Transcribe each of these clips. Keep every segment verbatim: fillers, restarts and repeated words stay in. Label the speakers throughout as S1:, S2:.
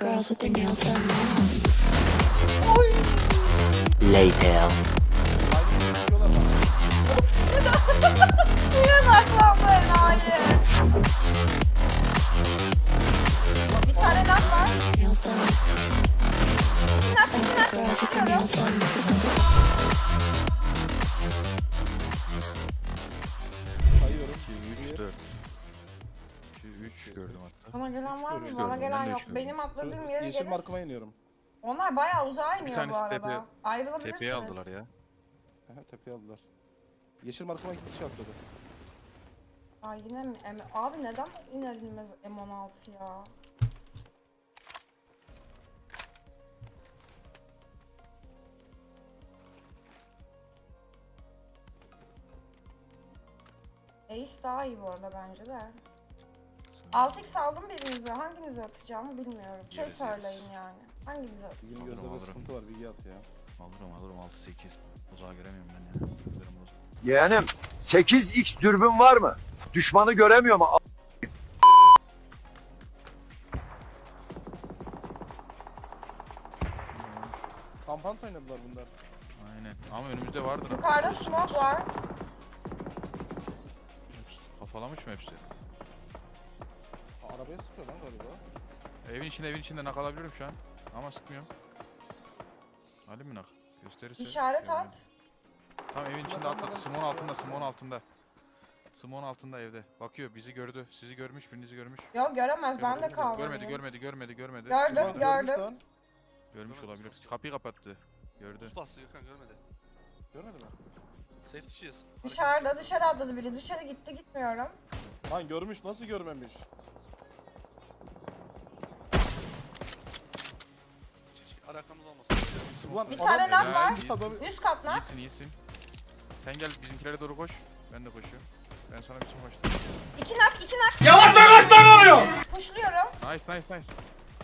S1: girls with their nails done now.
S2: Later.
S3: Yanaklanma enayi. Bir tane nak var.
S1: Nails done.
S3: İki nak, iki nak.
S1: Girls with their nails done.
S4: Sayıyorum.
S5: iki, üç, dört. iki, üç gördüm hatta.
S3: Bana gelen var mı?
S5: gördüm,
S3: Bana
S5: ben
S3: gelen
S5: de
S3: yok.
S5: üç gördüm.
S3: Benim atladığım yere
S4: Yeşil
S3: gelir.
S4: markama iniyorum.
S3: Onlar bayağı uzağa iniyor bu
S5: tanesi
S3: arada.
S5: tepe-
S3: Ayrılabilirsiniz.
S5: Tepeye aldılar ya.
S4: Aha, tepeye aldılar. Yeşil markama iki kişi atladı.
S3: Ay yine mi? M Abi neden iner inmez M on altı ya? Ace daha iyi bu arada bence de. altı x aldım birinize. Hanginize atacağımı bilmiyorum. Bir şey
S5: Göreceğiz.
S3: söyleyin yani. Hanginize at?
S4: Bilgin
S5: Alırım,
S4: gözlerde
S5: alırım.
S4: sıkıntı var, bilgi at ya.
S5: Alırım alırım altı sekiz. Uzağa göremiyorum ben ya. Gözlerim bozuk.
S6: Yeğenim sekiz x dürbün var mı? Düşmanı göremiyor mu?
S4: Kampant oynadılar bunlar.
S5: Aynen. Ama önümüzde vardır.
S3: Yukarıda smoke var.
S5: Hepsi kafalamış mı hepsi?
S4: Ha, arabaya sıkıyor lan galiba.
S5: Evin içinde evin içinde nak alabilirim şu an. Ama sıkmıyorum. Alayım mı nak? Gösterirse.
S3: İşaret
S5: görürüm.
S3: at.
S5: Tamam evin içinde atladı. Simon altında, Simon altında. Simon altında evde. Bakıyor bizi gördü. Sizi görmüş, birinizi görmüş.
S3: Yok göremez. Ben de
S5: Görmedi,
S3: kaldım.
S5: Görmedi, görmedi, görmedi, görmedi.
S3: Gördüm,
S5: Görmedi.
S3: gördüm.
S4: Görmüş lan.
S5: Görmüş olabilir. Kapıyı kapattı. Gördü.
S7: Buz bastı Gökhan görmedi.
S4: Görmedi mi?
S7: Safety'ciyiz.
S3: Dışarıda dışarı atladı biri. Dışarı gitti gitmiyorum.
S4: Lan görmüş, nasıl görmemiş?
S7: Keşke arakamız olmasın.
S4: Ulan
S3: Bir
S4: adam-
S3: tane nak
S5: Helal.
S3: var.
S4: Adam-
S3: Üst kat nak.
S5: İyisin, iyisin. Sen gel bizimkilere doğru koş. Ben de koşuyorum. Ben sana bir şey koştum.
S3: İki nak, iki nak. Yavaş yavaş lan oluyor. Pushluyorum.
S5: Nice, nice, nice.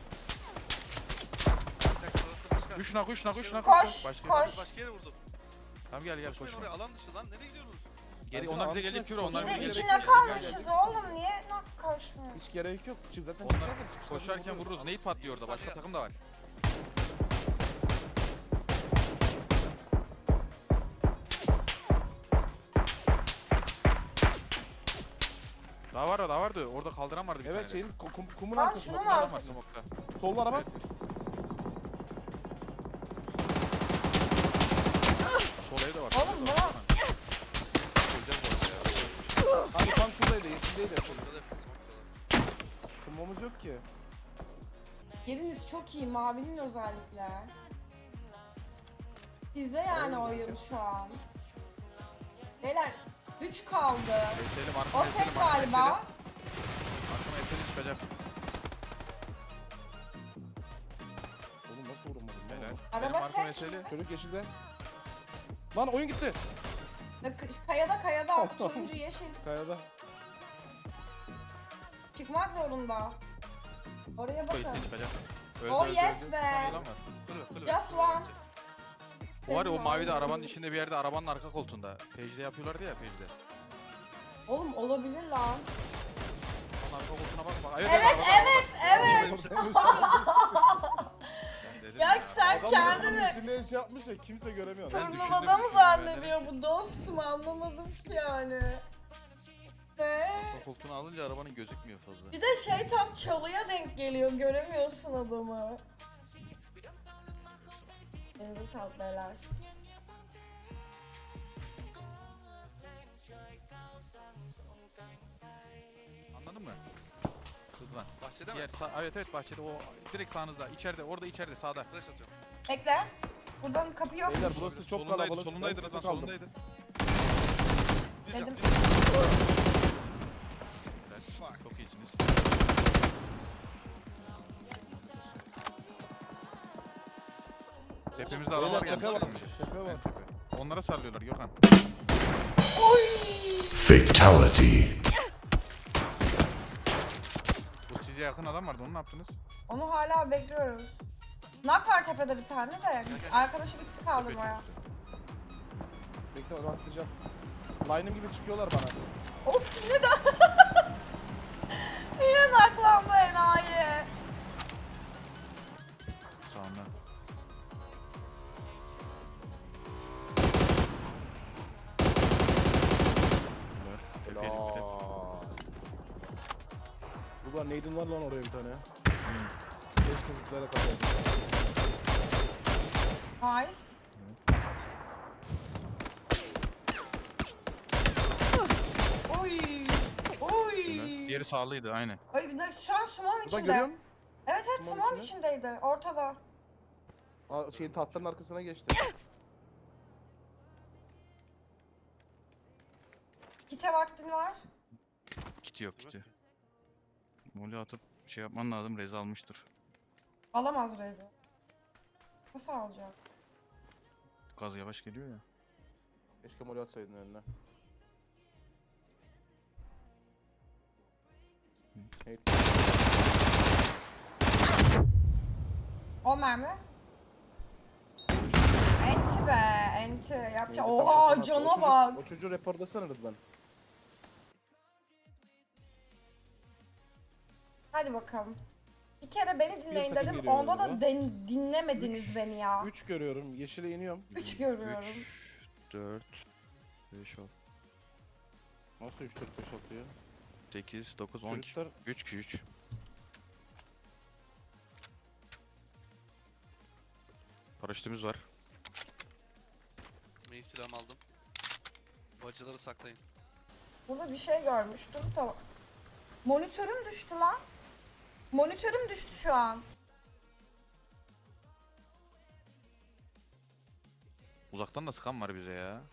S5: Üç nak, üç nak, üç nak.
S3: Koş,
S5: Başka
S3: koş.
S7: Başka yere vurdum.
S5: Tamam gel gel
S7: Koşmayın
S5: koşma.
S7: oraya, alan dışı lan. Nereye gidiyorsunuz?
S5: Geri,
S4: Bence
S5: onlar bize
S4: almışlar,
S5: gelecek yürü,
S4: koş.
S5: onlar
S3: Bir
S5: bize
S3: de
S5: gelecek.
S3: içine
S5: Gel,
S3: kalmışız
S5: gel, gel.
S3: oğlum. Niye nak koşmuyor?
S4: Hiç gerek yok. Çık zaten
S5: Onlar
S4: çıkacaklar, çıkışlarını
S5: koşarken
S4: vururuz.
S5: vururuz. Neyi patlıyor orada? Başka takım da var. Daha var da daha vardı. Orada kaldıran vardı bir
S4: Evet
S5: tane.
S4: şeyin ku- kum, kumun
S3: Lan
S4: arkasında.
S3: şunu
S4: kumun
S3: mu
S5: Adam var
S4: arkasında.
S5: smokta.
S4: Solda araba.
S5: Evet. Sol evde var.
S3: Oğlum,
S5: sol evde
S3: bana-
S5: var. Öleceğiz bu arada ya.
S4: Hani tam şuradaydı, yeşildeydi.
S7: Burada da yapıyoruz. smoke'da da.
S4: Kumumuz yok ki.
S3: Yeriniz çok iyi. Mavinin özellikle. Sizde yani oyun şu an. Beyler üç kaldı.
S5: Eselim,
S3: O
S5: arkama eselim,
S3: tek
S5: arkama
S3: galiba.
S5: eselim. Arkama eselim çıkacak.
S4: Oğlum nasıl vuramadım
S5: Helal.
S4: lan?
S3: Araba
S5: Benim arkama
S3: tek.
S5: eseli.
S4: Çocuk yeşilde. Lan oyun gitti.
S3: Ve k- Kayada kayada. Turuncu yeşil.
S4: Kayada.
S3: Çıkmak zorunda. Oraya bakın.
S5: Koyun çıkacak. Öldü,
S3: Oh
S5: öldü,
S3: yes
S5: öldü.
S3: be.
S5: Tamam, yılan var.
S7: Kulübe, kulübe.
S3: Just one.
S5: O var ya o
S3: Senin
S5: mavi de
S3: abi.
S5: arabanın içinde bir yerde arabanın arka koltuğunda. Page'de yapıyorlardı ya Page'de.
S3: Oğlum olabilir lan.
S5: Onun arka koltuğuna bak bak.
S3: Evet evet evet.
S5: Ben dedim
S3: Ya sen
S4: Adam
S3: kendini
S4: içinde şey yapmış ya, kimse göremiyor.
S5: Ben
S3: turnuvada
S5: düşündüm,
S3: mı
S5: düşündüm,
S3: zannediyor
S5: ben
S3: bu dostum, anlamadım ki yani. Ne?
S5: Arka koltuğunu alınca arabanın gözükmüyor fazla.
S3: Bir de şey tam çalıya denk geliyor, göremiyorsun adamı. Elinize sağlık beyler.
S5: Anladın mı? Hızlan.
S7: Bahçede mi?
S5: Diğer sağ, evet evet bahçede o direkt sağınızda. İçeride orada içeride sağda.
S7: Flash atıyorum.
S3: Bekle. Buradan kapı yok.
S4: Beyler burası çok
S5: solundaydı
S4: kalabalık.
S5: solundaydı
S4: Ben
S5: Rıdvan
S4: tek kaldım.
S5: solundaydı.
S7: Düz
S3: Dedim.
S7: yap, düz yap.
S5: Evet,
S7: Fuck.
S5: çok iyisiniz. Tepemizde
S4: Beyler,
S5: adamlar geldi.
S4: tepe var,
S5: Sarılmış.
S4: tepe var.
S5: Evet, tepe. Onlara sarılıyorlar Gökhan.
S8: Fatality.
S5: Bu size yakın adam vardı onu ne yaptınız?
S3: Onu hala bekliyoruz. Nak var tepede bir tane de. Arkadaşı gitti
S5: Tepe
S3: kaldırmaya.
S5: çöktü.
S4: Bekle rahatlayacağım. Line'ım gibi çıkıyorlar bana.
S3: Of yine de. Yine naklandı enayi.
S4: Ulan neydin var lan oraya bir tane. Keşke zıplayarak ataydım.
S3: Nice. Oy. Oy.
S5: Diğeri sağlıydı aynı.
S3: Ay bir dakika şu an Sumon
S4: Burada
S3: içinde.
S4: görüyor musun?
S3: Evet evet
S4: Sumon
S3: Sumon
S4: içinde.
S3: içindeydi. Ortada.
S4: Aa, şeyin tahtların arkasına geçti.
S3: Kite vaktin var.
S5: Kiti yok kiti. Molly atıp şey yapman lazım, rez almıştır.
S3: Alamaz Rezi. Nasıl alacak?
S5: Gaz yavaş geliyor ya.
S4: Keşke moli atsaydın önüne. Evet.
S3: O mermi. Enti be, enti. Yapacak.
S4: Neydi,
S3: Oha
S4: tamam,
S3: cana
S4: o çocuk-
S3: bak.
S4: O çocuğu raporlasana Rıdvan.
S3: Hadi bakalım. Bir kere beni dinleyin
S4: takım
S3: dedim.
S4: geliyor
S3: Onda da
S4: yanıma.
S3: den- dinlemediniz
S4: Üç-
S3: beni ya.
S4: Üç görüyorum. Yeşile iniyorum.
S3: Üç görüyorum.
S5: üç, dört, beş, altı,
S4: Nasıl üç dört beş altı ya?
S5: sekiz, dokuz, on.
S4: Çocuklar
S5: üç kişi üç. Paraşütümüz var.
S7: Mail silahımı aldım. Bacıları saklayın.
S3: Burada bir şey görmüştüm. Tamam. Monitörüm düştü lan. Monitörüm düştü şu an.
S5: Uzaktan da sıkan var bize ya.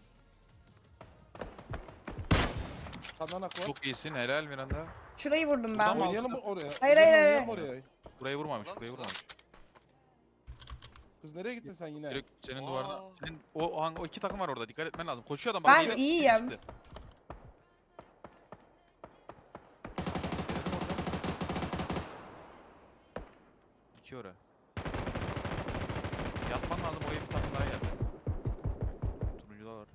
S4: kananak var.
S5: Çok iyisin, helal Miranda.
S3: Şurayı vurdum
S5: Buradan
S3: ben.
S5: mı
S4: Oynayalım mı oraya?
S3: hayır,
S4: Rıdvan,
S3: hayır.
S4: oynayalım oraya.
S5: Burayı vurmamış,
S7: Lan,
S5: burayı
S7: lan.
S5: vurmamış.
S4: Kız nereye gittin sen yine?
S5: Direkt senin
S7: Aa.
S5: duvarına, senin o, o, hangi- o iki takım var orada, dikkat etmen lazım. Koşuyor adam.
S3: Ben
S5: bak, yine- yine
S3: iyiyim.
S5: çıktı. İki ora. Yatman lazım, oraya bir takım daha geldi. Turuncular var.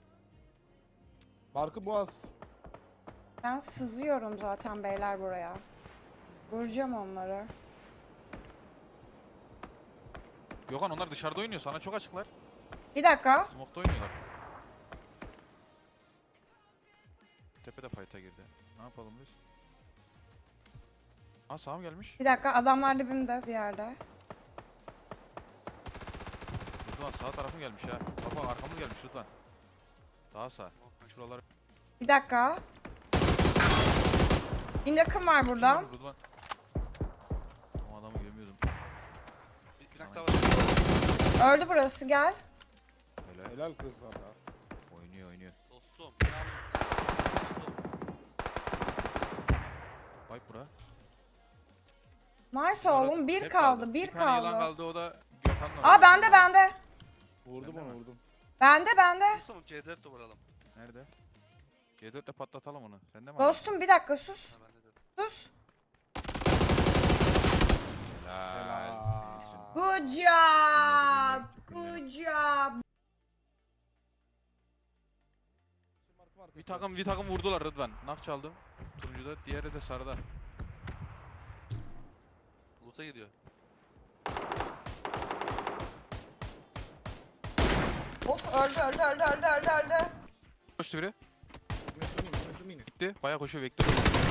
S4: Barkı Boğaz.
S3: Ben sızıyorum zaten beyler buraya. Vuracağım onları.
S5: Gökhan onlar dışarıda oynuyor, sana çok açıklar.
S3: Bir dakika.
S5: Smoke'da oynuyorlar. Tepede fight'a girdi. Ne yapalım biz? Aa sağ mı gelmiş?
S3: Bir dakika adamlar dibimde bir yerde.
S5: Rıdvan sağ tarafım gelmiş ha. Baba arkamız gelmiş Rıdvan. Daha sağ. Şuralar.
S3: Bir dakika. Bir yakın var buradan.
S5: Rıdvan. O adamı görmüyordum.
S7: Bir, bir dakika var.
S3: Öldü burası gel.
S5: Helal.
S4: Helal kız sana.
S5: Oynuyor oynuyor.
S7: Dostum. Ne yaptın? Dostum.
S5: Vay bura.
S3: Nice oğlum bir
S5: Hep
S3: kaldı bir
S5: Bir tane yılan
S3: kaldı.
S5: kaldı o da Gökhan'la.
S3: Aa bende bende.
S4: Vurdum
S5: Bende
S4: onu
S5: mi?
S4: vurdum.
S3: Bende bende.
S7: Dostum C dört de vuralım.
S5: Nerede? C dört ile patlatalım onu. Sende mi?
S3: Dostum bir dakika sus.
S7: Ha bende de.
S3: Sus.
S5: Helal.
S4: Helal.
S5: İyisin.
S3: Good job.
S5: Günleri,
S3: Good job.
S5: Bir takım bir takım vurdular Rıdvan. Nak çaldım. Turuncuda, diğeri de sarıda.
S7: Loot'a gidiyor.
S3: Of öldü öldü öldü öldü öldü öldü.
S5: Koştu biri. Gitti. Bayağı koşuyor Vektör.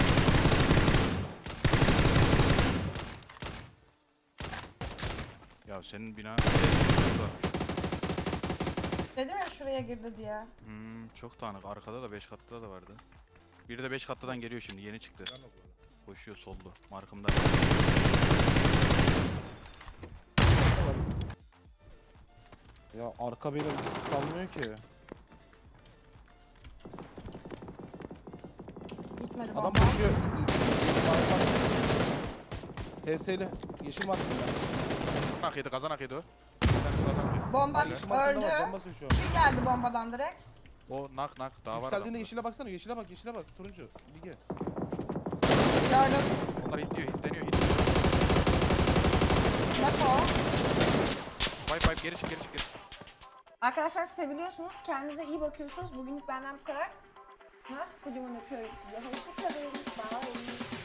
S5: Ya senin bina
S3: Dedim ya şuraya girdi diye.
S5: hmm, çok dağınık. Arkada da beş katta da vardı. Biri de beş kattadan geliyor şimdi. Yeni çıktı. Koşuyor soldu. Markımda.
S4: Ya arka beni salmıyor ki.
S3: Gitmedi
S4: Adam
S3: bomba.
S4: koşuyor. H S'li. Yeşil markım ya.
S5: Kazan akıydı, kazan akıydı o. Bir tanesi kazan akıydı.
S3: Bomba
S4: Yeşil markımda var. Can
S3: öldü.
S4: basıyor şu an.
S3: Bir geldi bombadan direkt.
S5: O nak nak daha var.
S4: Yükseldiğinde
S5: adamda.
S4: yeşile baksana. Yeşile bak. Yeşile bak. Turuncu. Bilge.
S3: Gördüm.
S5: Onlar hitliyor, hitleniyor, hitleniyor.
S3: Nasıl o?
S5: Vibe vibe geri çık geri çık geri.
S3: Arkadaşlar seviliyorsunuz. Kendinize iyi bakıyorsunuz. Bugünlük benden bu kadar. Ha, kocaman öpüyorum sizi. Hoşçakalın. Bye.